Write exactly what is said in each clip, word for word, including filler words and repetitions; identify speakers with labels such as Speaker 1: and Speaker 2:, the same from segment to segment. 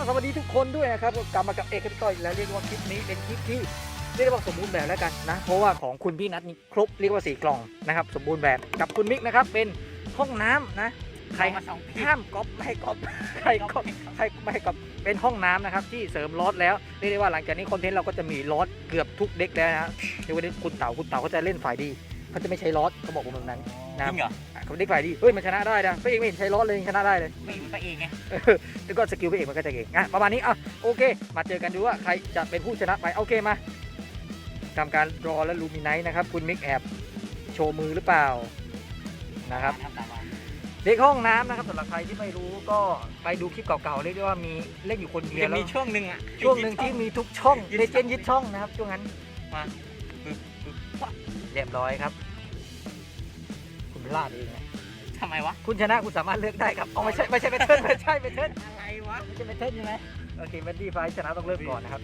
Speaker 1: สวัสดีทุกคนด้วยนะครับกลับมากับเอกต่อยแล้วเรียกว่าคลิปนี้เป็นคลิปที่เรียกว่าสมบูรณ์แบบแล้วกันนะเพราะว่าของคุณพี่นัทนี่ครบเรียกว่าสี่กล่องนะครับสมบูรณ์แบบกับคุณมิกนะครับเป็นห้องน้ำนะใครห้ามก๊อปไม่ให้ก๊อปใครก๊อปใครไม่ให้ก๊อปเป็นห้องน้ำนะครับที่เสริมลอสแล้วเรียกได้ว่าหลังจากนี้คอนเทนต์เราก็จะมีลอสเกือบทุกเด็กแล้วนะเดี๋ยววันนี้คุณเต๋าคุณเต๋าเขาจะเล่นฝ่ายดีเขาจะไม่ใช้ลอสเขาบอกผมแบบนั้นนะจริงเหรอเขาเด็กฝ่ายดีเฮ้ยมันชนะได้นะพระเอกไม่เห็นใช้ลอสเลยชนะได้เลย
Speaker 2: ไม่พระเอกไง
Speaker 1: แล้วก็สกิลพระเอกมันก็จะเก่งอ่ะประมาณนี้อ่ะโอเคมาเจอกันดูว่าใครจะเป็นผู้ชนะไปโอเคมาทำการรอและลูมิไนท์นะครับคุณมิกแอบโชว์มือหรือเปล่านะครับเด็กห้องน้ำนะครับสำหรับใครที่ไม่รู้ก็ไปดูคลิปเก่าๆเรียกได้ว่ามีเล่นอยู่คนเดียวแล้ว
Speaker 2: มีช่วงหนึ่งอ่ะ
Speaker 1: ช่วงหนึ่งที่มีทุกช่องเลเจนด์ยึดช่องนะครับช่วงนั้น
Speaker 2: มา
Speaker 1: เรียบร้อยครับคุณพลาดเองนะ
Speaker 2: ทำไมวะ
Speaker 1: คุณชนะคุณสามารถเลือกได้ครับเอาไม่ใช่ไม่ใช่เมทัลไม่ใช่เมทัล
Speaker 2: อะไรวะ
Speaker 1: ไม่ใช่เมทัลใช่ไหมโอเคแบดดี้ไฟชนะต้องเริ่มก่อนนะครับ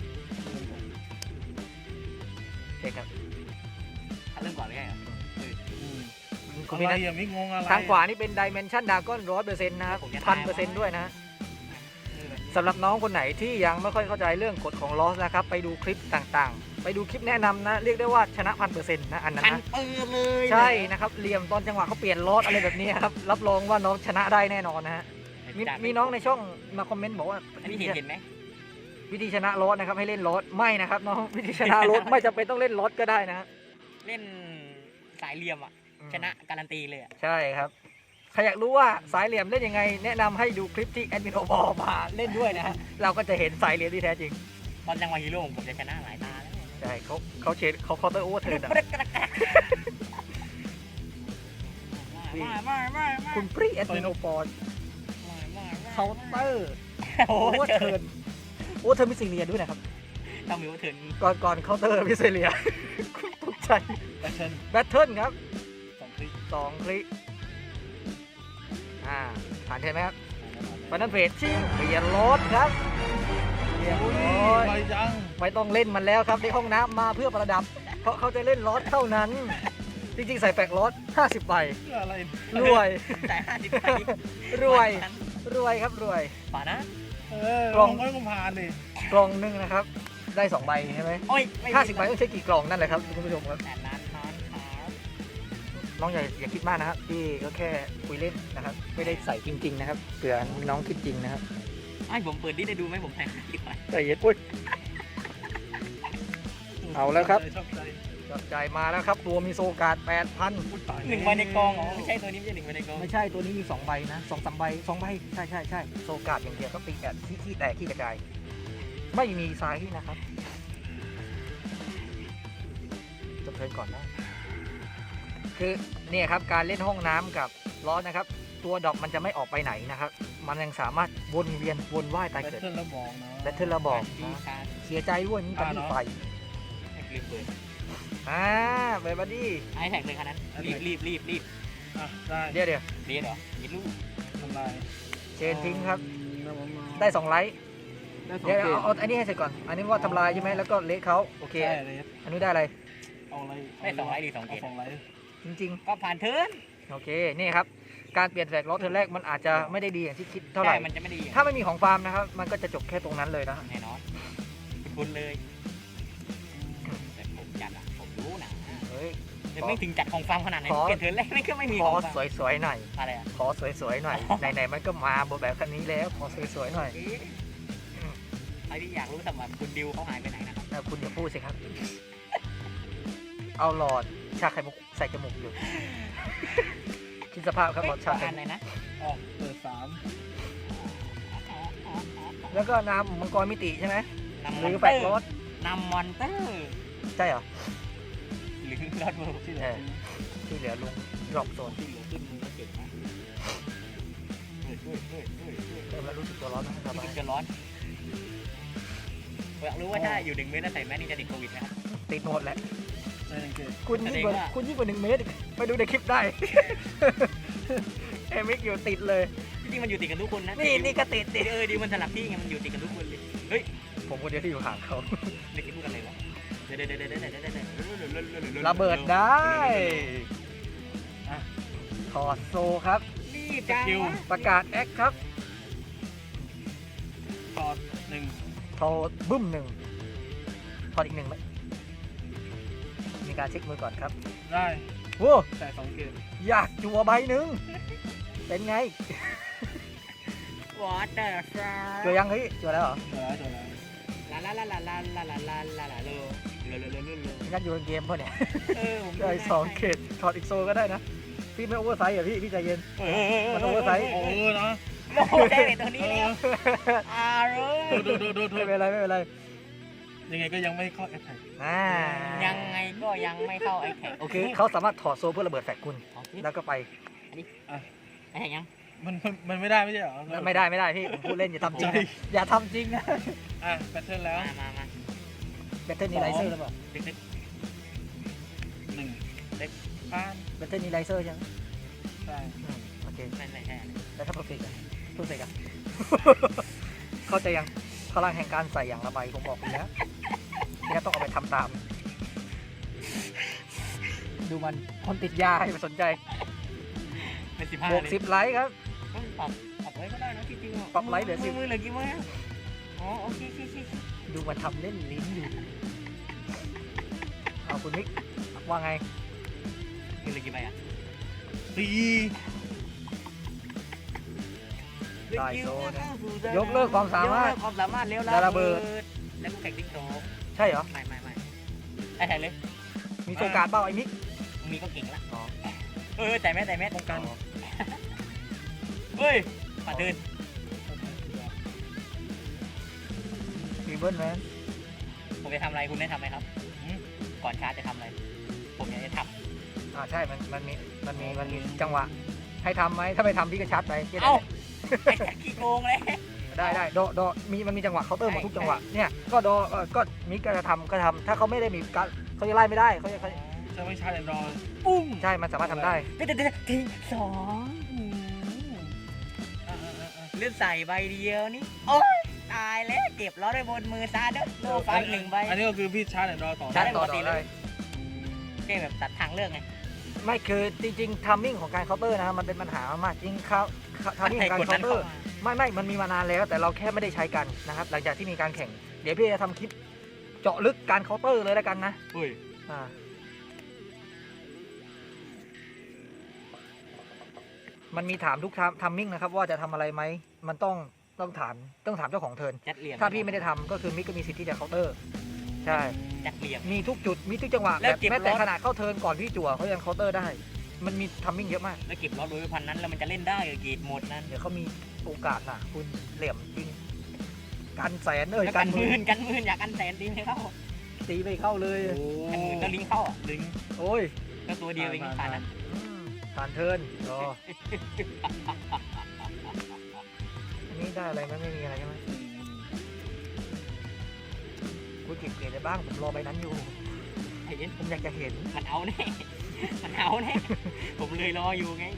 Speaker 1: โอเคครับ
Speaker 2: เริ่มก่อนเลยเหรอ
Speaker 1: คุณพี่นัททางขวานี่เป็นดิเมนชันดากอนร้อยเปอร์เซ็นต์นะครับพันเปอร์เซ็นต์ด้วยนะสำหรับน้องคนไหนที่ยังไม่ค่อยเข้าใจเรื่องกฎของลอสนะครับไปดูคลิปต่างๆไปดูคลิปแนะนำนะเรียกได้ว่าชนะพันเปอร์เซ็นต์นะอันนั้นนะ
Speaker 2: พันเปอร์เลย
Speaker 1: ใช่นะครับเหลี่ยมตอนจังหวะเขาเปลี่ยนลอสอะไรแบบนี้ครับรับรองว่าน้องชนะได้แน่นอนนะฮะมีมีน้องในช่องมาคอมเมนต์บอกว่า
Speaker 2: อันนี้เห็นไหม
Speaker 1: วิธีชนะลอสนะครับให้เล่นลอสไม่นะครับน้องวิธีชนะลอสไม่จำเป็นต้องเล่นลอสก็ได้นะ
Speaker 2: เล่นสายเหลี่ยมอ่ะชนะการันตีเลย
Speaker 1: ใช่ครับใครอยากรู้ว่าสายเหลี่ยมเล่นยังไงแนะนำให้ดูคลิปที่แอดมินโอบอกมาเล่นด้วยนะฮะเราก็จะเห็นสายเหลี่ยมที่แท้จริง
Speaker 2: ตอนจังหวะฮีโร่ผมจะชนะหลายตาแล้ว
Speaker 1: ใช่เขาเขาเชดเขาเคาน์เตอร์โอเวอร์เทิร์นคุณปรีแอดมินโอปอนเคาน์เตอร์โอเวอร์เทิร์นโอเวอร์เทิร์นมิสซิเลียด้วยนะครับ
Speaker 2: ต้องมีโอเวอร์เทิร์น
Speaker 1: ก่อนก่อนเคาน์เตอร์มิสซิเลียตกใจ
Speaker 2: แบทเทิล
Speaker 1: แบทเทิลครับ
Speaker 2: สองคลิก
Speaker 1: สองคลิกอ่าผ่านใช่ไหมครับฟันนันเฟสชิงเปลี่ยนรถครับเรียบร้อยไม่ต้องเล่นมันแล้วครับในห้องน้ำมาเพื่อประดับเพราะเขาจะเล่นรถเท่านั้นจริงๆใส่แปกรถห้าสิบใบรวย
Speaker 2: ใส่ห้าสิบใบ
Speaker 1: รวยรวยครับรวย
Speaker 2: ป่านะ
Speaker 1: กล่อง
Speaker 3: ไม่กุมภาเลย
Speaker 1: กล่องนึงนะครับได้สองใบใช่ไหมห้าสิบใบต้องใช้กี่กล่องนั่นแหละครับคุณผู้ชมครับ
Speaker 2: แต่นั้นนั้นครับ
Speaker 1: น้องอย่าอย่าคิดมากนะครับพี่ก็แค่คุยเล่นนะครับไม่ได้ใส่จริงๆนะครับเผื่อน้องคิดจริงนะครับ
Speaker 2: ไอ้ผมเปิดดิได้ดูไหมผมแทงดีกว่า
Speaker 1: ใจเย็นปุ้ยเอาแล้วครับจับใจมาแล้วครับตัวมีโซการ์ดแปดพัน
Speaker 2: หนึ่งใบในกองอ๋อไม่ใช่ตัวนี้ไม่ใช่หนึ่งใบในกอง
Speaker 1: ไม่ใช่ตัวนี้มีสองใบนะสองสามใบสองใบใช่ใช่ใช่โซการ์ดอย่างเดียวก็ตีแบบขี้ขี้แตกขี้กระจายไม่มีไซส์นะครับจบเทิร์นก่อนนะคือเนี่ยครับการเล่นห้องน้ำกับล้อนะครับตัวดอกมันจะไม่ออกไปไหนนะครับมันยังสามารถวนเวียนวนว่ายตายเกิด
Speaker 3: แบทเทิลระบอกนะ
Speaker 1: แบทเทิลระบอกเสียใจด้วยนี่บัดดี้ไฟอ่าเปิดบัดดี้
Speaker 2: ไอ้แท็กเลยคันนั้นรีบรีบรีบรีบ
Speaker 1: ได้เดี๋ยวเดี๋ยว
Speaker 2: เรียนเหรอยิงลูก
Speaker 3: ทำลาย
Speaker 1: เชนทิ้งครับได้สองไลท์เดี๋ยวเอาเอาอันนี้ให้เสร็จก่อนอันนี้ว่าทำลายใช่ไหมแล้วก็เละเขาโอเคอันนี้ได้อะไร
Speaker 3: เอาอะไร
Speaker 2: ได้สองไลท์ดีสองเกต
Speaker 1: จริง
Speaker 2: ๆก็ผ่านเทิร์น
Speaker 1: โอเคนี่ครับการเปลี่ยนแฟกล้อเทิร์นแรกมันอาจจะไม่ได้ดีอย่างที่คิดเท่าไหร่
Speaker 2: มันจะไม่ดี
Speaker 1: ถ้าไม่มีของฟาร์มนะครับมันก็จะจบแค่ตรงนั้นเลยนะ
Speaker 2: แน่นอนคุณเลยแต่ผมจัดอะผมรู้นะ
Speaker 1: เฮ้ย
Speaker 2: ไม่ถึงจัดของฟาร์มขนาดไหนเปลี่ยนเทิร์นแรกไม่ก็ไม่มี
Speaker 1: ขอสวยๆหน่อย
Speaker 2: อะไรอะ
Speaker 1: ขอสวยๆหน่อยไหนๆมันก็มาบนแบบคันนี้แล้วขอสวยๆหน่อย
Speaker 2: ไอ้ที่อยากรู้สำหรับคุณดิวเขาหายไปไหนนะครับ
Speaker 1: คุณอย่าพูดสิครับเอาหลอดชาไข่มุกใส่จมูกอยู่คิดสภาพครับหลอดชาไข่
Speaker 2: มุกนะ
Speaker 3: ออกเปิดสาม
Speaker 1: แล้วก็น้ำมังกรมิติใช่ไหมหรือแฟกรถ
Speaker 2: น้ำมอนเตอร์
Speaker 1: ใช่เหรอ
Speaker 2: หรือรถเวิร์
Speaker 1: ที่เหลือที่เหลือลงดรอปโซน
Speaker 2: ที่เหลือขึ้นมือเก่งนะ
Speaker 1: เริ่มแล้วรู้สึกตัวร้อนนะครับ
Speaker 2: รู้สึกจะร้อนอยากรู้ว่าถ้าอยู่หนึ่งเมตรแล้วใส่แมสนี่จะติดโควิดไหมครับ
Speaker 1: ติดหมดแหละคุณยิ่งกว่าคุณยิ่งกว่าหนึ่งเมตรไปดูในคลิปได้เอมิกอยู่ติดเลย
Speaker 2: จริงๆมันอยู่ติดกันทุกคนนะ
Speaker 1: นี่นี่ก็ติดติด
Speaker 2: เออดีมันสลับที่ไงมันอยู่ติดกันทุกคนเลยเฮ้ย
Speaker 1: ผมคนเดียวที่อยู่ห่างเขา
Speaker 2: เด็กพูดกันเลยวะเดี๋ยวเดี๋ยวเดี๋ยวเดี๋ยวเดี๋ยวเดี๋ยว
Speaker 1: ระเบิดได้ถอดโซครับ
Speaker 2: รีบจ้า
Speaker 1: ประกาศแอคครับ
Speaker 3: อดหนึ่ง
Speaker 1: ทอบึ้มหนึ่งทอดอีกหนึ่งไหมมีการเช็คมือก่อนครับ
Speaker 3: ได้
Speaker 1: โว้
Speaker 3: แต่สองเกม
Speaker 1: อยากจัวใบหนึ่งเป็นไง
Speaker 2: วอเตอร์ฟลา
Speaker 1: จัวยังเฮ้ยจัวแล้วเหรอ
Speaker 3: เดี๋ยวแล้วเดี๋ยวแล้ว
Speaker 2: ลาลาลาลาลาลาลาลาลาลาโลโลโลโลโลโล
Speaker 1: งั้นอยู่ในเกมเปล่ะเนี่ย
Speaker 2: เออผม
Speaker 1: ได้สองเขตถอดอีกโซก็ได้นะ พี่ไม่โอเวอร์ไซส์อ่ะพี่ พี่ใจเย็น
Speaker 2: เอ
Speaker 1: มันโอเวอร์ไซส์
Speaker 3: โอ้เออนะ
Speaker 2: โอ้ได้เลยตัวนี้แล้วอารุ
Speaker 3: โดดโดดโดดโด
Speaker 1: ไม่
Speaker 3: ด
Speaker 1: เป็นไรไม่เป็นไร
Speaker 3: ยังไงก็ยังไม่เข้าแอตแทก
Speaker 1: อ่า
Speaker 2: ยังไงก็ยังไม่เข้าไอ้แขก
Speaker 1: โอเคเขาสามารถถอดโซเพื่อระเบิดแฟกคุณ แล้วก็ไป
Speaker 2: ไอ้แขกยัง
Speaker 3: มันมันมันไม่ได้ไม่ใช่เหรอ
Speaker 1: ไม่ได้ไม่ได้พี่ ผมพูดเล่นอย่าทำจริงนะอย่าทำจริงนะ
Speaker 3: อ่ะแพทเทิร์นแล้ว
Speaker 2: มามามา
Speaker 1: แบตเทิลนี้ไลเซอร์หรือเปล่า
Speaker 2: เด็ก
Speaker 3: หนึ่ง
Speaker 2: เล็ก
Speaker 3: ผ่าน
Speaker 1: แบตเทิลนี้ไลเซอร์ใช่ไหม
Speaker 3: ใช่
Speaker 1: อืมโอเค
Speaker 2: ๆไม่ไม่ใช่
Speaker 1: แล้วถ้าเพอร์เฟกต์อ่ะเพอร์เฟกต์อ่ะ เข้าใจยังพลังแห่งการใส่อย่างละใบผมบอกคุณแล้วนี่ต้องเอาไปทำตาม ดูมันคนติดยาให้ไปสนใจ
Speaker 2: เป็นสิบห้า
Speaker 1: บวกสิบไลค์ครับ
Speaker 2: ปรับปรับไว้ก็ได้นะที่จริง
Speaker 1: ปรับไลค์เหลือสิบ
Speaker 2: มือเหลือกี่มืออ๋อโอเคโอเคโอเค
Speaker 1: ดูมันทำเล่นลิ้นอยู่ เอาคุณมิกว่าไง
Speaker 2: มือเหลือกี่ใบอ่ะ
Speaker 3: ตี
Speaker 1: ได้โซนะยกเลิกความสามารถ
Speaker 2: ยกเลิกความสามารถเร็ว
Speaker 1: แล้วระเบิด
Speaker 2: แล้วก็แข่งติ๊กโต๊ะ
Speaker 1: ใช่เหรอ
Speaker 2: ไม่ไม่ไม่ไอ้แข่งเลย
Speaker 1: มีโซการ์ดเปล่าไอ้มิก
Speaker 2: มีก็เก่งละ
Speaker 1: อ๋อ
Speaker 2: เออแต่แม่แต่แม่
Speaker 3: ป้องกัน
Speaker 2: เฮ้ยปัดเดิน
Speaker 1: ฟีเบิลแมน
Speaker 2: ผมจะทำอะไรคุณได้ทำไหมครับหืมก่อนชาร์จจะทำอะไร ผมอยากจะท
Speaker 1: อ่าใช่ มันมันมีมันมีมันมีจังหวะ ให้ทำไหมถ้าไม่ทำพี่ก็ชัดไปแค่
Speaker 2: ำ
Speaker 1: นั้น
Speaker 2: เอ้า
Speaker 1: แหละ
Speaker 2: ไอ้แข่งขี้โกงเลย
Speaker 1: ได้ได้โดโดมีมันมีจังหวะเคาน์เตอร์หมดทุกจังหวะเนี่ยก็โดเอ่อก็มิกก็จะทำก็ทำถ้าเขาไม่ได้มีการเขาจะไล่ไม่ได้เขาจะเขา
Speaker 3: จะไม่ใช่แอนดรอย
Speaker 2: ปุ้ง
Speaker 1: ใช่มันสามารถทำได้
Speaker 2: เดี๋ยวเดี๋ยวเดี๋ยวทีสองหืม
Speaker 3: อ่ะอ่ะอ่ะอ่ะ
Speaker 2: เลื่อนใส่ใบเดียวนี่โอ๊ยตายแล้วเก็บล้อด้วยบนมือซาเด้อโลไฟหนึ่งใบ
Speaker 3: อันนี้ก็คือพี่ชาร์จแอนดรอยต่อ
Speaker 2: ชา
Speaker 1: ใช่
Speaker 2: ร์จ
Speaker 1: ต่อ
Speaker 2: ปกติ
Speaker 1: ต่อ
Speaker 2: เล
Speaker 1: ได้
Speaker 2: ย เกมแบบตัดทางเลือกไง
Speaker 1: ไม่คือจริงๆทัมมิ่งของการเคาน์เตอร์นะมันเป็นปัญหามากจริงเขาทัมมิ่งของการเคาน์เตอร์ไม่ไม่มันมีมานานแล้วแต่เราแค่ไม่ได้ใช้กันนะครับหลังจากที่มีการแข่งเดี๋ยวพี่จะทำคลิปเจาะลึกการเคาน์เตอร์เลยแล้วกันนะ
Speaker 2: อุ้ย
Speaker 1: อ่ามันมีถามทุกทัมมิ่งนะครับว่าจะทำอะไรไหมมันต้องต้องถามต้องถามเจ้าของเทิร์น
Speaker 2: จัดเหลี่ยม
Speaker 1: ถ้าพี่ไม่ได้ทำก็คือมิกก็มีสิทธิ์ที่จะเคาน์เตอร์ใช่
Speaker 2: จัดเหลี่ยม
Speaker 1: มีทุกจุดมีทุกจังหวะ
Speaker 2: แล้ว
Speaker 1: แบบ
Speaker 2: เก็บ
Speaker 1: แม้แต่
Speaker 2: รถ
Speaker 1: ขนาดเข้าเทิร์นก่อนพี่จั่วเขายังเคาน์เตอร์ได้ มันมีทัมมิ่งเยอะมาก
Speaker 2: แล้วเก็บล้อโดยพันนั้นแล้วมันจะเล่นได้เหรอเกตหมดนั้น
Speaker 1: เดี๋ยวเขามีโอกาสนะคุณเหลี่ยมจริงกันแสนเอ้ย
Speaker 2: แล้ว
Speaker 1: กั
Speaker 2: กัน น
Speaker 1: ห
Speaker 2: ห
Speaker 1: มื่
Speaker 2: มื่
Speaker 1: น
Speaker 2: นกันหมื่นอยากกันแสนดีไหมเข้า
Speaker 1: ตีไม่เข้าเลย
Speaker 3: โอ้
Speaker 2: กันหมื่นก็ลิงก์เข้าอ่ะ
Speaker 3: ลิงก์
Speaker 1: โอ้ย
Speaker 2: ก็ตัวเดียวเองผ่านนะ
Speaker 1: อืมผ่านเทิร์นรออันนี้ได้อะไรไหมไม่มีอะไรใช่ไหมคุณเก็บเกรดได้บ้างผมรอใบนั้นอยู่
Speaker 2: ไอ้เอ็น
Speaker 1: ผมอยากจะเห็น
Speaker 2: มันเอาแน่ มันเอาแน่ ผมเลยรออยู่ไง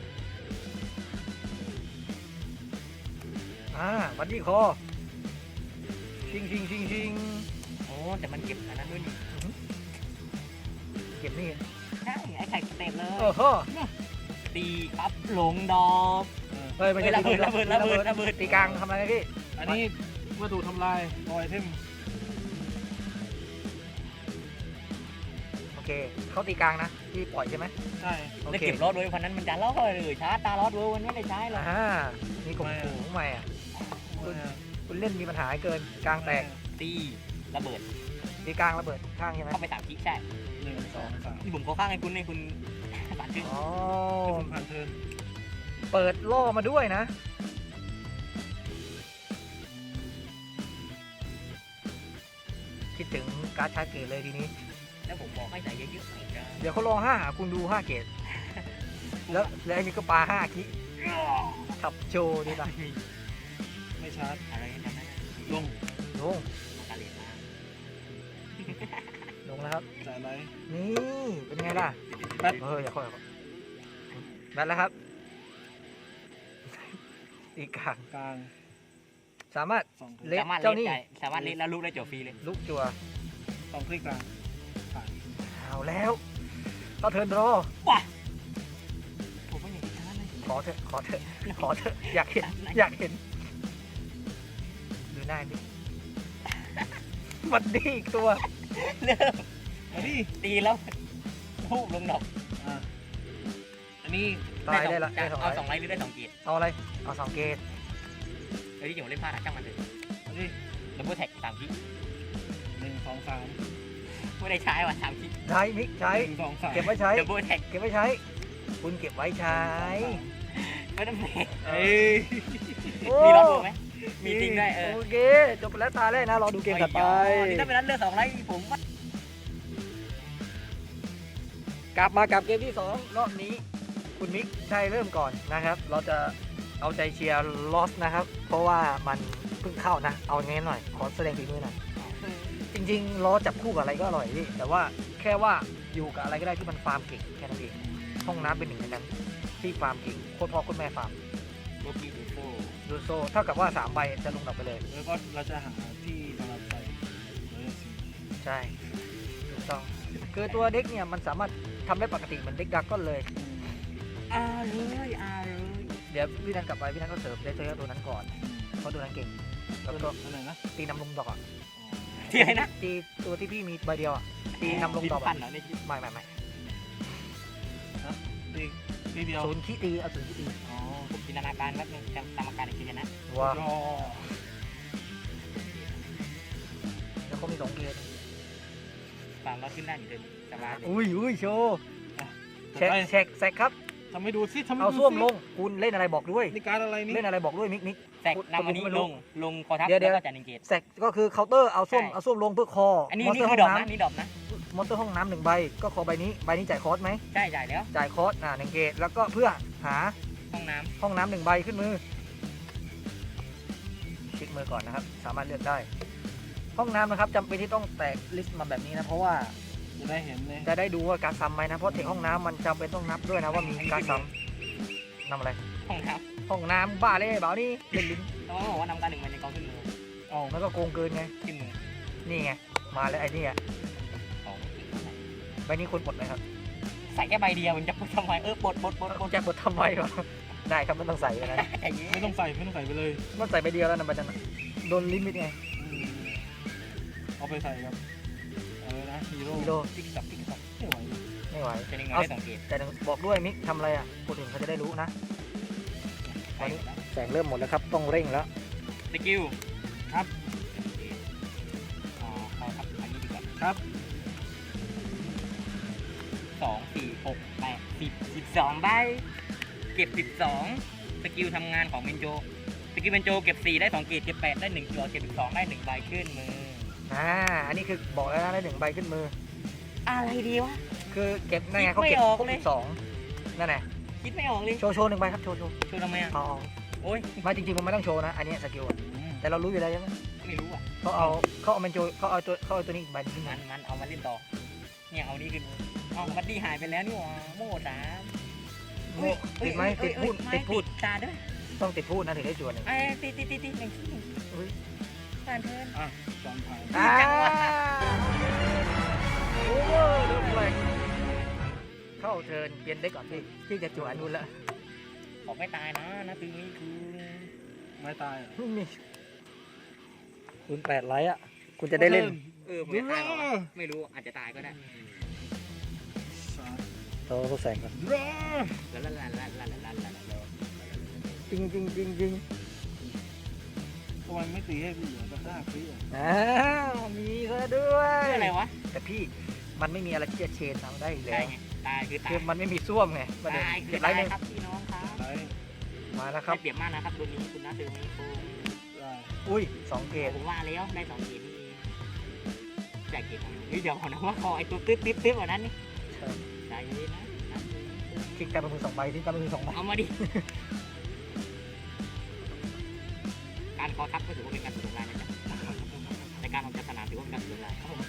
Speaker 1: อ่าวันที่คอชิงชิงชิงชิง
Speaker 2: โอ้แต่มันเก็บอันนั้นด้วยนี่
Speaker 1: เก็บนี่
Speaker 2: ใช่ไอ้ไข่เต็มเล
Speaker 1: เอย อฮะ
Speaker 2: ตีปั๊บหลงดอก
Speaker 3: เออ
Speaker 1: เฮ้ยไม่ใช่
Speaker 2: เฮ้ยระเบิดระเบิดระเบิดระเบิด
Speaker 1: ตีกลางทำอะไรนะพี่
Speaker 3: อันนี้วัตถุทำลายรอยเทม
Speaker 1: โอเคเขาตีกลางนะพี่ปล่อยใช่ไหม
Speaker 3: ใช่
Speaker 1: โอ
Speaker 2: แล้ว
Speaker 1: เค
Speaker 2: เก็บรถโดยพันนั้นมันจะล่อเลยชาร์จตาลอดเวอร์มันไม่ได้ใช้หรอก
Speaker 1: อ่านี่กบหูใหม่อ่ะ คุณคุณเล่นมีปัญหาเกินกลางแตก
Speaker 2: ตีระเบิด
Speaker 1: ตีกลางระเบิดข้างใช่ไหม
Speaker 2: เข้าไปสามคิกใช่
Speaker 3: หนึ่งสองสาม
Speaker 2: นี่ผมเขาข้างให้คุณให้คุณ สามชื่อ
Speaker 1: อ๋อ
Speaker 3: ผมผ่านเทิร์น
Speaker 1: เปิดล่อมาด้วยนะ คิดถึงการ์ดชาร์จเกตเลยทีนี้
Speaker 2: แล้วผมบอกให้ใส่เยอะๆหน่อยจ้า
Speaker 1: เดี๋ยวเขาลองห้าหาคุณดูห้าเกตแล้วแล้วอันนี้ก็ปลาห้าคิขับโชว์ดีป่ะ
Speaker 3: ไม่ชาร์จ
Speaker 2: อะไรนั่นนะ
Speaker 3: ลง
Speaker 1: ลง
Speaker 2: การเรียนมา
Speaker 1: ลงแล้วครับ
Speaker 3: จ่ายไร
Speaker 1: นี่เป็นไงล่ะ
Speaker 3: แบท
Speaker 1: เฮ้ยอย่าค่อยอย่าค่อยแบทแล้วครับตีกลาง
Speaker 3: กลาง
Speaker 1: สามารถ
Speaker 3: สองคลิก
Speaker 1: เละ
Speaker 2: สามารถ
Speaker 1: เจ้า
Speaker 2: เล่น
Speaker 1: นี่
Speaker 2: ได้สามารถเล่นแล้วลูกได้จบฟรีเลย
Speaker 1: ลุกจัว
Speaker 3: สองคลิกกลางผ่าน
Speaker 1: เอาแล้วก็เทิร์นรอ
Speaker 2: ว้าผมไม่อยากจะชนะเลย
Speaker 1: ขอเถอะขอเถอะขอเถอะอยากเห็นอยากเห็นดูหน้าพี่ มันดีอีกตัว
Speaker 2: เริ่ม
Speaker 3: อันนี้
Speaker 2: ตีแล้วทูบลงดอก
Speaker 3: อ่ะอันนี้
Speaker 1: ตายได้ละ
Speaker 2: ได้
Speaker 1: ได้
Speaker 2: ส
Speaker 1: ส
Speaker 2: อ
Speaker 1: อง ง
Speaker 2: เอา
Speaker 1: ไล
Speaker 2: สองไลท์หรือได้สองเกียร์
Speaker 1: เอาอะไรเอาสองเกต
Speaker 2: เฮ้ยที่ผมเล่นพลาดอะช่างมันเลย
Speaker 3: อันนี้
Speaker 2: ดับเบิลแท็กสามที
Speaker 3: หนึ่งสองสาม
Speaker 2: ไม่ได้ใช้ว่ะสามที
Speaker 1: ใช้มิกใช้
Speaker 3: หนึ่งสองสาม
Speaker 1: เก็บไว้ใช้
Speaker 2: ดับเบิลแท็ก
Speaker 1: เก็บไว้ใช้ คุณเก็บไว้ใช้
Speaker 2: ไม่ต้องแม็ก
Speaker 3: เอ้ย
Speaker 2: มีรับรู้ไหมมีจริงได้เออ
Speaker 1: โอเคจบไปแล้วตาแรกนะรอดูเกมถัดไป
Speaker 2: นี่ถ้าเป็นนั้นเลือกสองไลท์ผมว่า
Speaker 1: กลับมากับเกมที่สองรอบนี้ คุณมิกใช่เริ่มก่อนนะครับ เราจะเอาใจเชียร์ลอสนะครับ เพราะว่ามันเพิ่งเข้านะ เอางี้หน่อย ขอแสดงฝีมือหน่อย จริงๆล้อจับคู่กับอะไรก็อร่อยพี่แต่ว่าแค่ว่าอยู่กับอะไรก็ได้ที่มันฟาร์มเก่งแค่นั้นเองห้องน้ำเป็นหนึ่งในนั้นที่ฟาร์มเก่งโคตรพ่อโคตรแม่ฟาร์ม
Speaker 2: โลกี้ดูโซ่
Speaker 1: ดูโซเท่ากับว่าสามใบจะลงดอกไปเลย
Speaker 3: แล้วก็เราจะหาที่สำหรับใส่เบอร์สี่
Speaker 1: ใช่ถูกต้องคือตัวเด็กเนี่ยมันสามารถทำได้ปกติเหมือนเด็กดักก็เลย
Speaker 2: อ่าเลยอ่าเลย
Speaker 1: เดี๋ยวพี่นันกลับไปพี่นันก็เสริมได้เจอตัวนั้นก่อนเพราะตัวนั้นเก่งแล้วก็
Speaker 3: อันไหนนะ
Speaker 1: ตีนำลงดอกอ่ะ
Speaker 2: ที่ไหนนะ
Speaker 1: ตีตัวที่พี่มีใบเดียวอ่ะตีนำลงดอก
Speaker 2: พั
Speaker 1: อ่ะ
Speaker 2: นเหรอเนี่ย
Speaker 1: ไม่ไม่ไม่
Speaker 3: ตีทีเดียว
Speaker 1: ศูนย์ขี้ตีเอาศูนย์ขี้ตี
Speaker 3: อ๋อ
Speaker 2: ผมจินตนาการแป๊บนึงจำตามอาการอีกทีนะ
Speaker 1: ว้าร
Speaker 3: อ
Speaker 1: แล้วเขามีสองเกม
Speaker 2: สามร้อยขึ้นได้อยู่เดิมสบายเลย
Speaker 1: อุ้ยอุ้ยโชว์
Speaker 3: จะ
Speaker 1: เช็ค
Speaker 3: ได้
Speaker 1: เช็คแซกครับ
Speaker 3: ทำให้ดูสิทำให้
Speaker 1: เอา
Speaker 3: ดู
Speaker 1: ส้วม
Speaker 3: สิ
Speaker 1: ลงคุณเล่นอะไรบอกด้วย
Speaker 3: นี่การอะไรนี่
Speaker 1: เล่นอะไรบอกด้วยมิกมิก
Speaker 2: แตกนำอันนี้ลงลงคอทับ
Speaker 1: เดี๋ยวเดี๋
Speaker 2: แล้
Speaker 1: ยว
Speaker 2: วก็จันนิงเกต
Speaker 1: แซกก็คือเคาน์เตอร์เอาส้วม
Speaker 2: ใช่
Speaker 1: เอาส้วมลงเพื่อคอ
Speaker 2: อันนี้
Speaker 1: มอนส
Speaker 2: นี่
Speaker 1: เตอร์
Speaker 2: คื
Speaker 1: ห้
Speaker 2: อ
Speaker 1: อง
Speaker 2: ดอกนะ
Speaker 1: น้
Speaker 2: นี่ดอกนะ
Speaker 1: ำมอนสเตอร์ห้องน้ำหนึ่งใบก็ขอใบนี้ใบนี้จ่ายคอร์สไหม
Speaker 2: ใช่จ่ายแล้ว
Speaker 1: จ่ายคอร์สอ่าหนึ่งเกตแล้วก็เพื่อหา
Speaker 2: ห้องน้
Speaker 1: ห้องน้ำหนึ่งใบขึ้นมือคลิกมือก่อนนะครับ สามารถเลือกได้ ห้องน้ำนะครับจำเป็นที่ต้องแตกลิสต์มาแบบนี้นะเพราะว่า
Speaker 3: จะได้เห็นเลย
Speaker 1: จะได้ดูว่าการซ้ำไหมนะเพราะเทคห้องน้ำมันจำเป็นต้องนับด้วยนะว่ามีการซ้ำนำอะไร
Speaker 2: ำห้องน้
Speaker 1: ห้องน้ำบ้าเลยเปล่านี่เล่นลิ้น
Speaker 2: ำแล้วก็บอกว่านำการหนึ่งมันในกองขึ้นมือ
Speaker 1: อ๋อมันก็โกงเกินไง
Speaker 2: ขึ้นมือ
Speaker 1: นี่ไงมาแล้วไอ้นี่อ่ะ
Speaker 2: ของ
Speaker 1: ใบนี้ควรปลดไหมครับ
Speaker 2: ใส่แค่ใบเดียวมันจะพูดทำไมเออปลดปลดปลดปลด
Speaker 1: จะปลดทำไมวะได้ครับไม่ต้องใส่เลยนะ
Speaker 2: ใจเย็
Speaker 3: ไม่
Speaker 2: น
Speaker 3: ต้องใส่ไม่ต้องใส่ไปเลย
Speaker 1: มันใส่ใบเดียวแล้วนะบัจจันโดนลิมิตไง
Speaker 3: อืมเอาไปใส่ครับอะไรนะฮีโร่
Speaker 1: กิโล
Speaker 2: ติ๊กต๊อกติ๊กต๊อก
Speaker 3: ไม่ไหว
Speaker 1: ไม่ไหว
Speaker 2: จะได้เงินได้สองเกต
Speaker 1: แต่บอกด้วยมิกทำอะไรอ่ะคนอื่นเขาจะได้รู้นะ
Speaker 2: ใช่แล้ว
Speaker 1: แสงเริ่มหมดแล้วครับต้องเร่งแล้ว
Speaker 2: สกิลครับอ๋อเอาครับอันนี้ดีกว่า
Speaker 3: ครับ
Speaker 2: สองสี่หกแปดสิบสิบสองใบเก็บสิบสองสกิลทำงานของเบนโจสกิลเบนโจเก็บสี่ได้สองเกตเก็บแปดได้หนึ่งตัวเก็บสิบสองได้หนึ่งใบขึ้นมือ
Speaker 1: อ่าอันนี้คือบอกแล้วนะได้หนึ่งใบขึ้นมือ
Speaker 2: อะไรดีวะ
Speaker 1: คือเก็บนั่นไงเขาเก็บ
Speaker 2: คิดไม่ออก
Speaker 1: ครบ
Speaker 2: เลย
Speaker 1: สิบสองนั่นแหละ
Speaker 2: คิดไม่ออกเลย
Speaker 1: โชว์โชว์หนึ่งใบครับโชว์โชว์
Speaker 2: ช่วยทำไมอ่ะ
Speaker 1: เอาเอา
Speaker 2: โอ้ย
Speaker 1: ไมาจริงๆมันไม่ต้องโชว์นะอันนี้สกิลอะ
Speaker 3: อืม
Speaker 1: แต่เรารู้อยู่แล้วใช่ไหม
Speaker 2: ไม่รู้อ่ะ
Speaker 1: เขาเอาเขาเอามันโจเขาเอาตัวเขาเอาตัวนี้อีกใบหนึงขึ้น
Speaker 2: มั
Speaker 1: มาน
Speaker 2: มันเอามาเล่นต่อเนี่ยเอานี้ขึ้นเอาบัดดี้หายไปแล้วนี่หว่าโม่สาม
Speaker 1: โม่ติดไหมติดพูดติดพูด
Speaker 2: ตาด้วย
Speaker 1: ต้องติดพูดนะถึงได้จวนหนึ่ง
Speaker 2: ไอ้ติดติดติดติดหนึ่งที่หนึ่ง
Speaker 1: อุ๊ย
Speaker 2: การเทิน
Speaker 3: อ่ะจอมผ่าน
Speaker 1: อ่า
Speaker 2: จังวะ
Speaker 1: โอเวอร์เดือดแรงเข้าเทิร์นเปลี่ยนได้ก่อนพี่พี่จะจวนนู่นแล้ว
Speaker 2: บอกไม่ตายนะนะคือนี่คือ
Speaker 3: ไม่ตายเหรอ
Speaker 1: นี่คุณแปดไลท์อ่ะคุณจะได้เล่น
Speaker 2: เออผมจะตายเหรอวะไม่รู้อาจจะตายก็ได้
Speaker 3: สาม
Speaker 1: เราต้องแสงก่อน
Speaker 3: รอ
Speaker 2: แล้วละละละละละละละละ
Speaker 1: จริงจริงจริงจริง
Speaker 3: ทำไมไม่ตีให้พี่เหลือก็ได้พี่อ่ะ
Speaker 1: อ้าวมีซะด้วย
Speaker 2: อะไรวะ
Speaker 1: แต่พี่มันไม่มีอะไรที่จะเชนเราได้อีกแล้
Speaker 2: ตา
Speaker 1: วย
Speaker 2: ไงตายคือตา
Speaker 1: คื
Speaker 2: ย
Speaker 1: อมันไม่มีส้วมไงประเด็น
Speaker 2: ตายคื
Speaker 1: เก็
Speaker 2: อบ
Speaker 1: ไล
Speaker 2: ตาย
Speaker 1: ท์หนึ่ง
Speaker 2: ครับพี่น้องครับ
Speaker 3: ได้
Speaker 1: มาแล้วค
Speaker 2: ครั
Speaker 1: รั
Speaker 2: บบ เปรียบมากนะครับตัวนี้คุณน้าซื้อไม่โกง
Speaker 3: ได้
Speaker 1: อุ้ยสองเกต
Speaker 2: ผมว่าแล้วได้สองเกตนี่จ่ายเกตของเฮ้ยเดี๋ยวขอนะว่าคอไอ้ตัวตึ๊ดตึ๊ดตึ๊ดแบบนั้นนี่
Speaker 1: ใช่
Speaker 2: ใจเย็นนะ
Speaker 1: คลิกการเป็นมือสองใบที่การเป็นมือสองใบ
Speaker 2: เอามาดิ การคอทับก็ถือว่าเป็นการสุดลายนะจ๊ะในการออกจากสนามถือว่าเป็นการสุดลายครับผม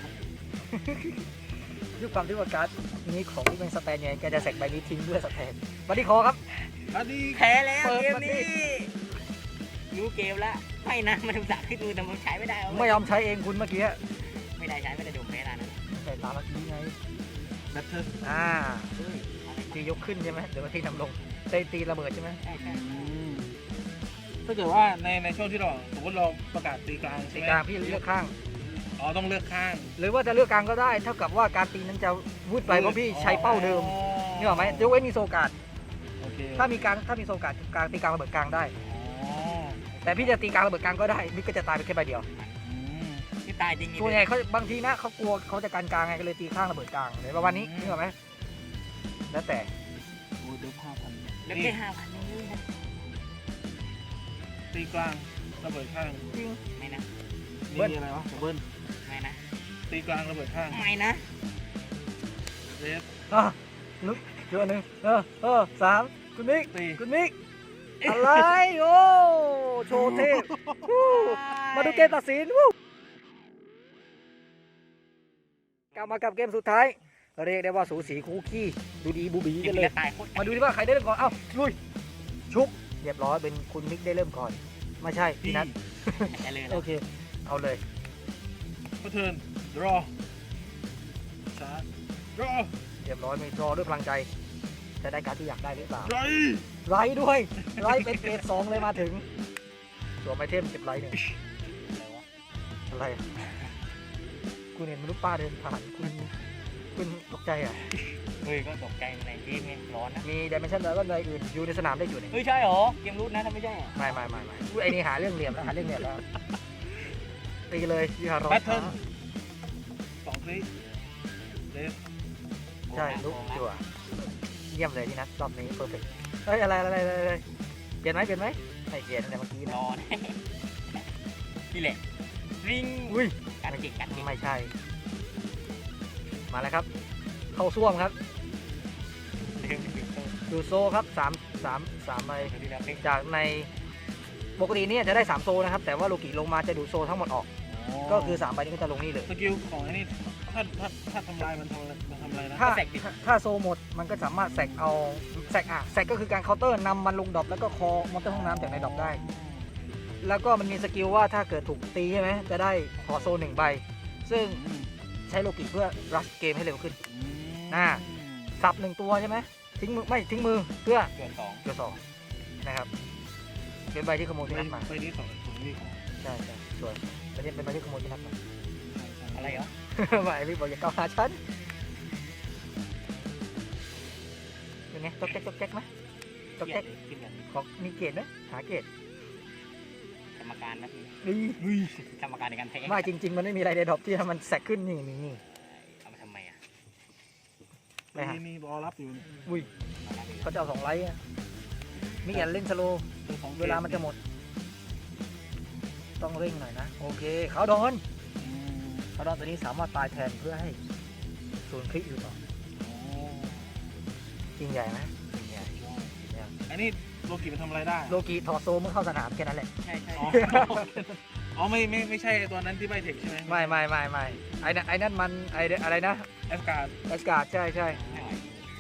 Speaker 1: ด้วยความที่ว่าการ์ดนี้ของที่เป็นสแตนไงแกจะแสกใบนี้ทิ้งเพื่อสแตนบัดดี้คอครับ
Speaker 3: อันนี้
Speaker 2: แพ้แล้ว
Speaker 1: เปิด
Speaker 2: เกม
Speaker 1: มาดิ
Speaker 2: นี้รู้เกมแล้วไม่นะมันถูกสาขึ้นมือแต่มันใช้ไม่ได้เอา
Speaker 1: ไม่ยอมใช้เองคุณเมื่อกี้
Speaker 2: ไม่ได้ใช้ไม่ได้โดนแพ้แล้วนะ
Speaker 1: แต่ตามเมื่อกี้ไง
Speaker 3: แบทเทิล
Speaker 1: อ่า
Speaker 2: เฮ้ยอะไร
Speaker 1: ตียกขึ้นใช่ไหมเดี๋ยวมาตีนำลงตีตีระเบิดใช่ไหม
Speaker 2: ใช่ใช่
Speaker 3: อืมถ้าเกิดว่าในในช่วงที่เราสมมติเราประกาศตีกลาง
Speaker 1: ตี
Speaker 3: ใช่ไหม
Speaker 1: กลางพี่เลือกข้าง
Speaker 3: อ๋อต้องเลือกข้าง
Speaker 1: หรือว่าจะเลือกกลางก็ได้เท่ากับว่าการตีนั้นจะวืดไปเพราะพี่ใช้เป้าเดิม
Speaker 3: อ๋อ
Speaker 1: นี่หรอกไหมยกเว้นมีโซการ์ด
Speaker 3: โอเค
Speaker 1: ถ้ามีกลางถ้ามีโซการ์ดกลางตีกลางระเบิดกลางได้
Speaker 3: อ๋อ
Speaker 1: แต่พี่จะตีกลางระเบิดกลางก็ได้มิกก็จะตายไปแค่ใบเดียว
Speaker 3: อืม
Speaker 2: ที่ตายจริง
Speaker 1: ส่วนใหญ่เขาบางทีนะเขากลัวเขาจะการกลางไงก็เลยตีข้างระเบิดกลางเลยประมาณนี้นี่หรอกไหมแล้วแต่
Speaker 3: โอ้ยเดี๋ยวห้าพัน
Speaker 2: แล้วแค่ห้าพันนี่นะ
Speaker 3: ตีกลางระเบิดข้าง
Speaker 1: จริง
Speaker 2: ไม่นะ
Speaker 3: นี่
Speaker 1: เบิ้ล
Speaker 3: มีอะไรวะเบิ้ล
Speaker 2: ไม่นะ
Speaker 3: ตีกลางระเบิดข้าง
Speaker 2: ไม่นะ
Speaker 3: เรส
Speaker 1: อ่ะลุกเจอหนึ่งเออเออสามคุณมิก
Speaker 3: ตี
Speaker 1: คุณมิกอะไรโอ้โชว์เทพวู้มาดูเกมตัดสินวู้กลับมากับเกมสุดท้าย เรียกได้ว่าสูสีคู่ขี้ดูดีบูบี
Speaker 2: จริ
Speaker 1: กัน
Speaker 2: ง
Speaker 1: เลย
Speaker 2: ๆตายโคตร
Speaker 1: มาดูดิว่าใครได้เริ่มก่อนเอ้าลุยชุบเรียบร้อยเป็นคุณมิกได้เริ่มก่อนไม่ใช่พี่นัท
Speaker 2: จะเลย
Speaker 1: โอเคเอาเลย
Speaker 3: ก็เทิร์นรอชาร์จรอ
Speaker 1: เรียบร้อยมีรอด้วยพลังใจจะได้การดที่อยากได้หรือเปล่า
Speaker 3: ไร
Speaker 1: ไรด้วยไรเป็นเกรดสองเลยมาถึงตัวไอเทมเก็บไรหนึ่งอะไรอะคุณเห็นมนุษย์ป้าเดินผ่านคุณคุณตกใจอ่ะ
Speaker 2: เฮ้ยก็ตกใจในที่ไม่ร้อนนะ
Speaker 1: มีดิเมนชันแล้วก็อะไรอื่นอยู่ในสนามได้อยู่นี่
Speaker 2: เฮ้ยใช่เหรอเกมรูทนะถ้าไม่ใช่
Speaker 1: ไม่ไม่ไม่ไม่อุ๊ยไอ้นี่หาเรื่องเหลี่ยมแล้วหาเรื่องเหลี่ยมแล้วตีเลยยี่ห้อร้อ
Speaker 3: แพ
Speaker 1: ย
Speaker 3: ทเทิร์นสองคลิกเรส
Speaker 1: ใช่ลุกจั่วเยี่ยมเลยที่นัทรอบนี้เพอร์เฟกต์เฮ้ยอะไรอะไรอะไรอะไรเปลี่ยนไหมเปลี่ยนไหมไม่เปลี่ยนตั้งแต่เมื่อกี้นะ
Speaker 2: ร้อนนี่แหละริง
Speaker 1: อุ้ย
Speaker 2: กัดจิกกัดจิก
Speaker 1: ไม่ใช่ มาแล้วครับ เข้าซ่วมครับ
Speaker 2: เดิมเป็นตัว
Speaker 1: ดูโซครับสามสามสามใบ
Speaker 2: ที่เราเป็น
Speaker 1: จากในปกติเนี่ยจะได้สามโซนะครับ แต่ว่าโลกิลงมาจะดูโซทั้งหมดออก ก็คือสามใบนี้ก็จะลงนี่เลย
Speaker 3: สกิลของไอ้นี่ถ้าถ้าถ้าทำลายมันทำอะไรมันทำอะไรนะ
Speaker 1: ถ้าถ้าถ้าโซหมดมันก็สามารถแสกเอาแสกอ่ะแสกก็คือการเคาน์เตอร์นำมันลงดรอปแล้วก็คอมอนเตอร์ห้องน้ำจากในดรอปได้ แล้วก็มันมีสกิลว่าถ้าเกิดถูกตีใช่ไหมจะได้ขอโซหนึ่งใบ ซึ่ง
Speaker 3: อืม
Speaker 1: ใช้โลกิเพื่อรัชเกมให้เร็วขึ้น
Speaker 3: อืม
Speaker 1: น่า สับหนึ่งตัวใช่ไหมทิ้งมือไม่ทิ้งมือเพื่อ
Speaker 2: เกิดสอง
Speaker 1: เกียวสองนะครับเป็นใบที่ขโมยที่นัดมา
Speaker 3: ไปนี้สองของนี่ของ
Speaker 1: ใช่ใช่สวยอันนี้เป็นใบที่ขโมยที่นัดมา
Speaker 2: อะไรเหรอ
Speaker 1: ไม่พี่บอกอย่าก้าวหาฉันเป็นไงจ๊อกแจ๊กจ๊อกแจ๊กไหมจ๊อกแจ๊ก
Speaker 2: ขึ้นแบบ
Speaker 1: ของมีเกรดไหมหาเกรด
Speaker 2: กรรมการนะพี่
Speaker 1: นี่
Speaker 3: อุ้ย
Speaker 2: กรรมการในการแพ้
Speaker 1: ไม่จริง ๆ มันไม่มีอะไรในดรอปที่มันแสกขึ้นนี่นี่นี่
Speaker 2: เอามาทำไมอ่ะ
Speaker 1: ไปหา
Speaker 3: นี่นี่รอรับอยู่
Speaker 1: อุ้ยเขาจะเอาสองไลท์อะมีอย่าเล่นสโลว์
Speaker 3: ตัวของ
Speaker 1: เวลามันจะหมด ต้องเร่งหน่อยนะโอเคเขาโดน
Speaker 3: อืม
Speaker 1: เขาโดนตัวนี้สามารถตายแทนเพื่อให้ศูนย์คลิกอยู่ต่อ
Speaker 3: โอ้
Speaker 1: จริงใหญ่ไหมจริงใหญ่จริงใหญ่
Speaker 3: อันนี้โลกิมันทำอะไรได้
Speaker 1: โลกีถอดโซเมื่อเข้าสนามแค่นั้นแหละ
Speaker 2: ใช่ใช่
Speaker 3: อ๋ออ๋อไม่ไม่ไม่ใช่ตัวนั้นที่ใบเทคใช่ไหม
Speaker 1: ไม่ไม่ไม่ไม่ไอ้นั่นไอ้นั่นมันไอ้อะไรนะ
Speaker 3: แอสการ์ด
Speaker 1: แอสการ์ดใช่ใช่
Speaker 2: ไม่ไหว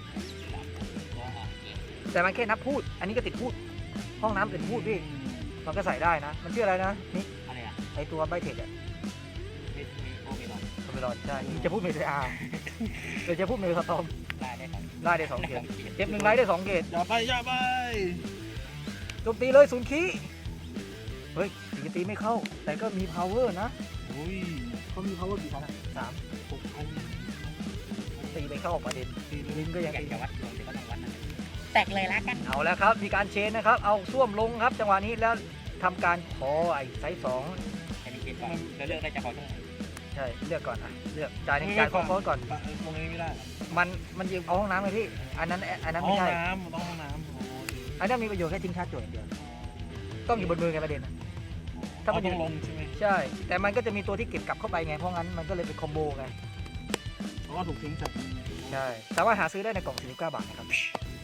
Speaker 1: แต่มันแค่นับพูด อันนี้ก็ติดพูด ห้องน้ำติดพูดพี่มันก็ใส่ได้นะ มันชื่ออะไรนะนี่
Speaker 2: อะไรอ่ะ
Speaker 1: ไอตัวใบเทคอะ
Speaker 2: มีมีโอเคหรอ
Speaker 1: คอมเมรอนใช่จะพูดเมสอาร์หรือจะพูดเมสตอม
Speaker 2: ได้ได้ครับ
Speaker 1: ไล่ได้สองเกตเก็บหนึ่งไลท์ได้สองเกต
Speaker 3: อย่าไปอย่าไป
Speaker 1: โจมตีเลยศูนย์คีเฮ้ยตีตีไม่เข้า แต่ก็มี power นะ
Speaker 3: อุ้ย
Speaker 1: เขามี power กี่ครั้งอะสาม
Speaker 3: หกพัน
Speaker 1: ตีไปเข้าออกประเด็น
Speaker 3: ตีเลย
Speaker 1: ลิงก็
Speaker 2: อ
Speaker 1: ยัง
Speaker 2: ยาก
Speaker 1: ตี
Speaker 2: จะวัดดวงแต่ก็ต้องวัดนะแตกเลยละกัน
Speaker 1: เอาแล้วครับ มีการเชนนะครับ เอาส้วมลงครับ จังหวะนี้แล้วทำการขอไอ้ไซส์สอง
Speaker 2: แค่นี้เกมก่อนเราเลือกได้จะขอตรงไหน
Speaker 1: ใช่ เลือกก่อนอ่ะ เลือกจ่ายหนึ่งจ่ายคอฟอสก่อน
Speaker 3: ปะตรงนี้ไม่ได้
Speaker 1: มันมันยืมเอาห้องน้ำเลยพี่ อันนั้นอันนั้น
Speaker 3: ห้
Speaker 1: ไม่
Speaker 3: อง
Speaker 1: ใช่
Speaker 3: น้ำต้องห้องน้ำอ๋อ
Speaker 1: อันนั้นมีประโยชน์แค่ทิ้งชาร์จจวดอย่างเดียว ต้องอยู่บนมือไงประเด็นอะ ถ้า
Speaker 3: ถ้า
Speaker 1: มั
Speaker 3: มัน นต้องลงใช่ไหม
Speaker 1: ใช่ แต่มันก็จะมีตัวที่เก็บกลับเข้าไปไง เพราะงั้นมันก็เลยเป็นคอมโบไง
Speaker 3: เพราะว่าถูกทิ้งจาก
Speaker 1: ใช่ สามารถหาซื้อได้ในกล่องสี่สิบเก้าบาทนะครับ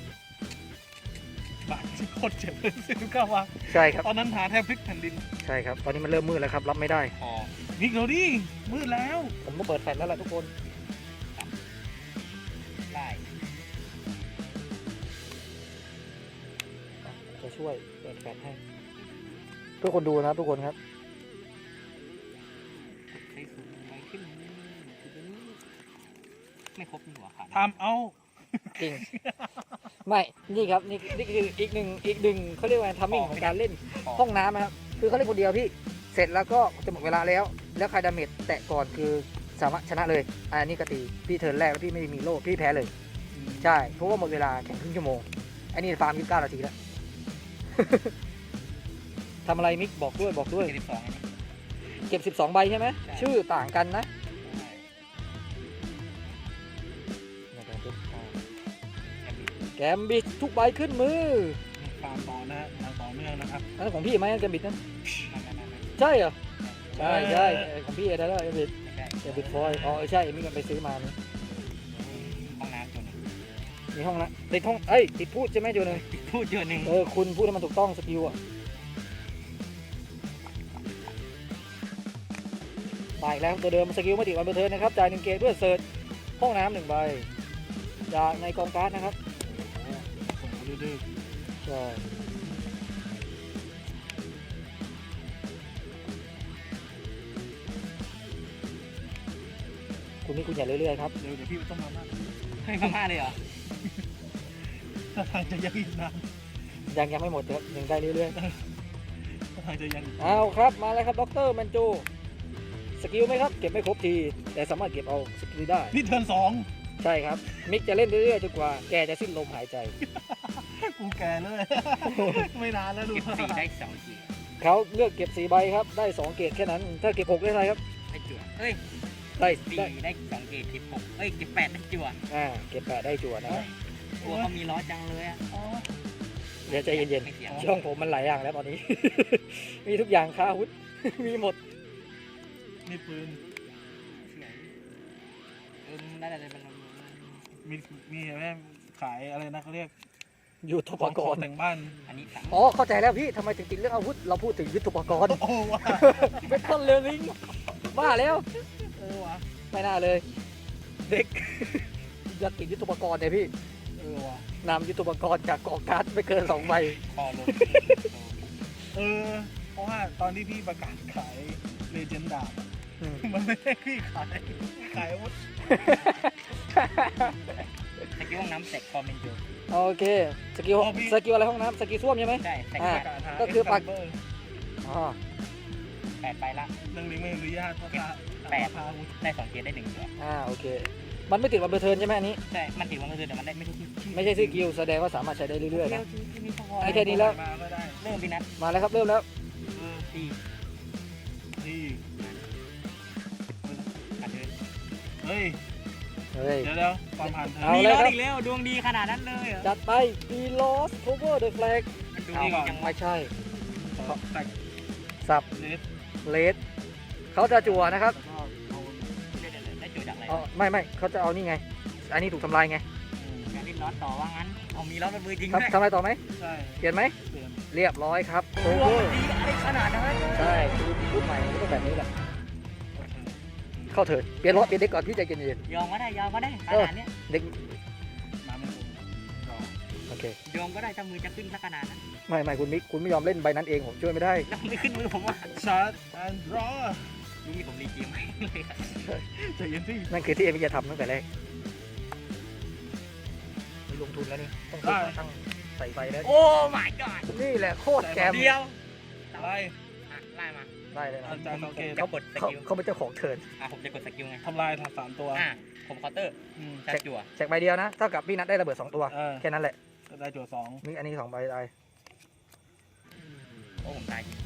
Speaker 3: บาทที่โคตรเจ็บเลยสิบเก้าวัน
Speaker 1: ใช่ครับ
Speaker 3: ตอนนั้นหาแทบพลิกแผ่นดิน
Speaker 1: ใช่ครับ ตอนนี้มันเริ่มมืดแล้วครับ รับไม่ได้
Speaker 2: พอ
Speaker 3: นี่เราดิมืดแล้ว
Speaker 1: ผมก็เปิดแฟลชแล้วล่ะทุกคน
Speaker 2: ได้
Speaker 1: จะช่วยเปิดแฟลชให้ทุกคนดูนะทุกคนครับ
Speaker 2: ใช้สูงไปขึ้นไม่ครบนี่หว่าขาด
Speaker 3: ทำเอา
Speaker 1: จริงไม่นี่ครับนี่นี่คืออีกหนึ่งอีกหนึ่งเขาเรียกว่าทัมมิ่งของการเล่นห้องน้ำนะครับคือเขาเล่นคนเดียวพี่เสร็จแล้วก็จะหมดเวลาแล้วแล้วใครดาเมจแตะก่อนคือสามารถชนะเลยอันนี้กตีพี่เทิร์นแรกแล้วพี่ไม่มีโล่พี่แพ้เลยใช่เพราะว่าหมดเวลาแข่งครึ่งชั่วโมงอันนี้ฟาร์มยี่สิบเก้านาทีแล้ว ทำอะไรมิกบอกด้วยบอกด้วย
Speaker 2: เจ็ดสิบสองอันนี้
Speaker 1: เก็บสิบสองใบใช่ไหม
Speaker 2: ใช่
Speaker 1: ชื่อต่างกันนะ แกมบิดทุกใบขึ้นมือ
Speaker 3: ฟาร์มต่อนะฮะอย่างต่อเนื่องนะครับ
Speaker 1: อันนั้นของพี่ไหมแกมบิดนั้น
Speaker 2: ไม่ไม่ไม่ไม่
Speaker 1: ใช่เหรอใช่
Speaker 3: ใช่
Speaker 1: ใช่เออของพี่เอเดอร์แกมบิด
Speaker 2: ไม่ใช่
Speaker 1: แกมบิดฟอยล์อ๋อเออใช่มีกันไปซื้อมานี่
Speaker 2: ห้องน้ำตัวหนึ่ง
Speaker 1: มีห้องนะติดห้องเอ้ยติดพูดใช่ไหมโจนึง
Speaker 2: พูดตัวหนึ่ง
Speaker 1: เออคุณพูดให้มันถูกต้องสกิลอ่ะไปอีกแล้วตัวเดิมสกิลไม่ติดวันเบอร์เทิร์นนะครับจ่ายหนึ่งเกตด้วยเซิร์ชห้องน้ำหนึ่งใบจากในกองการ์ดนะครับ
Speaker 3: ส่งมาดื้อ
Speaker 1: ใช่คุณนี่คุณอย่าเรื่อยๆครับ
Speaker 3: ๆเดี๋ยวเดี๋ยวพี่ต้องมาบ้าง
Speaker 2: เฮ้ยมาม่าเลยเหรอ
Speaker 3: ถ้าทางจะยังอีกนาน
Speaker 1: ยังยังไม่หมดครับยังได้เรื่อย
Speaker 3: ถ้าทางจะยังอีก
Speaker 1: ๆเอาครับมาแล้วครับด็อกเตอร์แมนจูสกิลไหมครับเก็บไม่ครบทีแต่สามารถเก็บเอาสกิลได้
Speaker 3: นี่เทิร์นสอง
Speaker 1: ใช่ครับมิกจะเล่นเรื่อยๆจนกว่าแกจะสิ้นลมหายใจ
Speaker 3: กูแก่เลย ไม่นานแล้วดู
Speaker 2: เก็บสี่ได้สองที
Speaker 1: เขาเลือกเก็บสี่ใบครับได้สองเกตแค่นั้น ถ้าเก็บหกได้ไรครับ
Speaker 2: ได้จั่วเฮ้ย
Speaker 1: ได้
Speaker 2: สี่
Speaker 1: ได้
Speaker 2: ได้สองเกตเก็บหกเอ้ยเก็บแปดได้จั่ว
Speaker 1: อ่าเก็บแปดได้จั่วนะครับ
Speaker 2: กลัวเขามีล้อจังเลยอ่ะ
Speaker 3: อ๋อ
Speaker 1: เดี๋ยวใจเย็น
Speaker 2: ไม่เสียง
Speaker 1: ๆช่องผมมันหลายอย่างแล้วตอนนี้ มีทุกอย่างค้าอาวุธ มีหมด
Speaker 3: นี่ปืน
Speaker 2: เออได้ได้ได้มัน
Speaker 3: มีมีแม่ขายอะไรนะเขาเรียก
Speaker 1: ยุทโธปกรณ์
Speaker 3: แต่งบ้าน
Speaker 2: อันนี้สาม
Speaker 1: อ๋อเข้าใจแล้วพี่ทำไมถึงติดเรื่องอาวุธเราพูดถึงยุทโธปกรณ์
Speaker 3: โอ้ว่ะ
Speaker 1: เบคอนเลลิงบ้าแล้ว
Speaker 3: เออว่ะ
Speaker 1: ไม่น่าเลย เด็ก อยากติดยุทโธปกรณ์เนี่ยพี่
Speaker 3: เออว่ะ
Speaker 1: นำยุทโธปกรณ์จากกองการ์ดไม่เกินสองใบ
Speaker 2: คอลง
Speaker 3: เออเพราะว่าตอนที่พี่ประกาศขายเลเจนดาบ
Speaker 1: อืม
Speaker 3: มันไม่ได้พี่ขายขายอาวุธ
Speaker 2: สกิลห้องน้ำแตกคอมเมนโจ
Speaker 1: โอเคสกิลสกิลอะไรห้องน้ำสกิลส้วมใช่ไหม
Speaker 2: ใช่แตก
Speaker 1: อ่า
Speaker 3: ประกาศหา
Speaker 1: ก็คือปัก
Speaker 3: เร์
Speaker 1: อ๋อ
Speaker 2: แปดไปละ
Speaker 3: เรื่องลิงก์ไม่อนุญาตเพราะว่า
Speaker 2: แปด
Speaker 3: ราคาอาวุธ
Speaker 2: ได้สองเกตได้หนึ่งตัว
Speaker 1: อ่าโอเค มันไม่ติดวันเบอร์เทิร์นใช่ไหมอันนี้
Speaker 2: ใช่มันติดวันก็คือแต่มันได้ไม่ใช่ที่
Speaker 1: ไม่ใช่สกิลแสดงว่าสามารถใช้ได้เรื่อยๆนะ
Speaker 2: ที่มีพอ
Speaker 1: ไอ้แค่นี้แล้ว
Speaker 3: มาก็ได้
Speaker 2: เริ่มพี่นัท
Speaker 1: มาแล้วครับเริ่มแล้ว
Speaker 3: เออ
Speaker 2: สี่
Speaker 3: ที่
Speaker 2: อันเดิน
Speaker 3: เฮ้ย
Speaker 1: เฮ้ย
Speaker 3: เดี๋ยวเดี๋ยวความผ่านเธอ
Speaker 1: เอา
Speaker 2: มี
Speaker 1: เลย
Speaker 2: ล้อ
Speaker 1: ครับ
Speaker 2: อีกแล้วดวงดีขนาดนั้นเลยเหรอ
Speaker 1: จัดไป be lost cover the flag
Speaker 2: มันดู
Speaker 1: เอา
Speaker 2: ดีจังวะ
Speaker 1: ไม่ใช่
Speaker 3: แตก
Speaker 1: สับ
Speaker 3: เลส
Speaker 1: เลสเขาจะจั่วนะครับ
Speaker 3: แล้วก็เอา
Speaker 2: เดี๋ยวๆๆได้จุดจากอะไร
Speaker 1: อ๋อไม่ไม่เขาจะเอานี่ไง อันนี้ถูกทำลายไง
Speaker 3: อืม
Speaker 2: การเล่นล้อต่อว่างั้นเอามีล้อระเบิดจริง
Speaker 1: ครับ
Speaker 2: ด้วย
Speaker 1: ทำอะไรต่อไหม
Speaker 3: ใช่
Speaker 1: เปลี่ยนไหม
Speaker 3: เปลี่ยน
Speaker 1: เรียบร้อยครับ
Speaker 2: โอ้โห
Speaker 1: cover
Speaker 2: ดีอะไรขนาดนั้น
Speaker 1: ใช่คือรุ่นใหม่มันก็ต้องแบบนี้แหละ
Speaker 3: โอเค
Speaker 1: เข้าเถิดเปลี่ยนรถเปลี่ยนเด็กก่อนพี่ใจเย็น
Speaker 2: ยอมก็ได้ยอมก็ได้ขนาดเนี้ย
Speaker 1: ๆเด็ก
Speaker 3: น้ำไม่คงรอ
Speaker 1: โอเค
Speaker 2: ยอมก็ได้ถ้ามือจะขึ้นสักขนาดนั้น
Speaker 1: ไม่ไม่คุณมิกคุณไม่ยอมเล่นใบนั้นเองผมช่วยไม่ได้
Speaker 2: แล้วไม่ขึ้นมือผมอ่ะ
Speaker 3: ชาร์จแอนด์รอ
Speaker 2: รู้มีผมรีเกมไหมเลยครับ
Speaker 3: ใจเย็นพี่
Speaker 1: นั่นคือที่เอ็มจะทำตั้งแต่แรกมีลงทุนแล้วนี่ต้องซื้อตั้งใส่ไฟแล้ว
Speaker 2: โอ้ my god
Speaker 1: นี่แหละโคตรแกม
Speaker 2: เดียว
Speaker 3: อะไร
Speaker 2: อ่ะไล่มา
Speaker 1: ได้เลยนะ
Speaker 3: อาจารย์สังเกต
Speaker 2: จะกดส
Speaker 1: เขา
Speaker 2: กิล
Speaker 1: เขาเป็นเจ้าของเทิร์น
Speaker 2: อ่ะผมจะกดสกิลไง
Speaker 3: ทำลายสามตัว
Speaker 2: อ่ะผมเคาน์เตอร์
Speaker 3: อืม
Speaker 2: ชาร์จจั่ว
Speaker 1: แจกใบเดียวนะเท่ากับพี่นัทได้ระเบิดสองตัว
Speaker 3: เออ
Speaker 1: แค่นั้นแหละ
Speaker 3: ได้จั่วสอง
Speaker 1: นี่อันนี้สองใบได้
Speaker 2: โอ้ผมตายจริง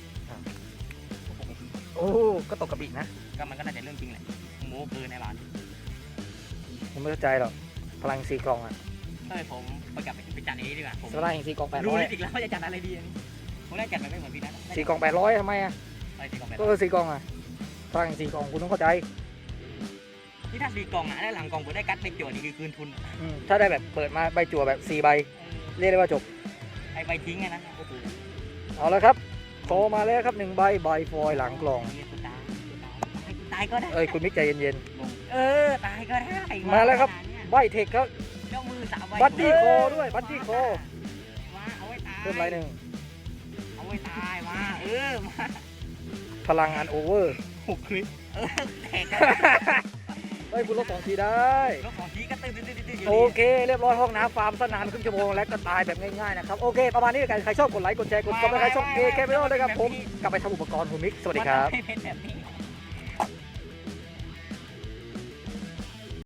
Speaker 1: โอ้ก็ตกกระบี่นะ
Speaker 2: ก็มันก็น่าจะเรื่องจริงแหละโม้เกินในร้าน
Speaker 1: ผมไม่เข้าใจหรอกพลังสีกล่องอะ
Speaker 2: ก็เลยผมไปกลับไปจัดอันนี้ดีกว่าผม
Speaker 1: สไลด์แห่งสีกล่องแปด
Speaker 2: รู้
Speaker 1: ร้อย
Speaker 2: นิดอีกแล้วว่าจะจัดอะไรดีอันนี้ผมได้จัดมันไม่เหมือนพี่นัท
Speaker 1: สีกล่องแปดร้อยทำไมอะ
Speaker 2: อะไรสีกล่องแบบ
Speaker 1: ก็คือสีกล่องอะพลังแห่งสีกล่องคุณต้องเข้าใจ
Speaker 2: นี่ถ้าสีกล่องอ่ะได้หลังกล่องผมได้กัดไปจั่วนี่คือคืนทุน
Speaker 1: อืมถ้าได้แบบเปิดมาใบจั่วแบบสี่ใบเรียกได้ว่าจบ
Speaker 2: ไอ้ใบทิ้งไงนั้นโอ้โห
Speaker 1: เอาละครับโคมาแล้วครับหนึ่งใบใบฟอยล์หลังกล่อง
Speaker 2: กูตายกูตายก็ได้
Speaker 1: เอ้ยคุณมิกใจเย็น
Speaker 2: เออตายก็ได้
Speaker 1: มาแล้วครับ ๆใบเทคครับ
Speaker 2: เจ้ามือสามใบ
Speaker 1: บัดดี้โคด้วยบัดดี้โค
Speaker 2: มาเอาไว้ตาย
Speaker 1: เพิ่มไรหนึ่ง
Speaker 2: เอาไว้ตายมาเออมา
Speaker 1: พลังอันโอเวอร์
Speaker 3: หกคลิป
Speaker 2: เออแตกกัน
Speaker 1: เฮ้ยคุณลบสองทีได้
Speaker 2: แล้วของทีก็ตื่นตื่นตื่นตื่นอยู่
Speaker 1: โอ
Speaker 2: ดี
Speaker 1: เคเรียบร้อยห้องน้ำฟาร์มสนานครึ่งชั่วโมงแล้วก็ตายแบบง่ายๆนะครับโอเคประมาณนี้กันใครชอบกดไลค์กดแชร์กดซับสไครต์ช่องเอเคไม่ต้องเลยครับผมกลับไปทำอุปกรณ์คุณมิกสวัสดีครับ
Speaker 2: มันไม่เป็นแบบนี้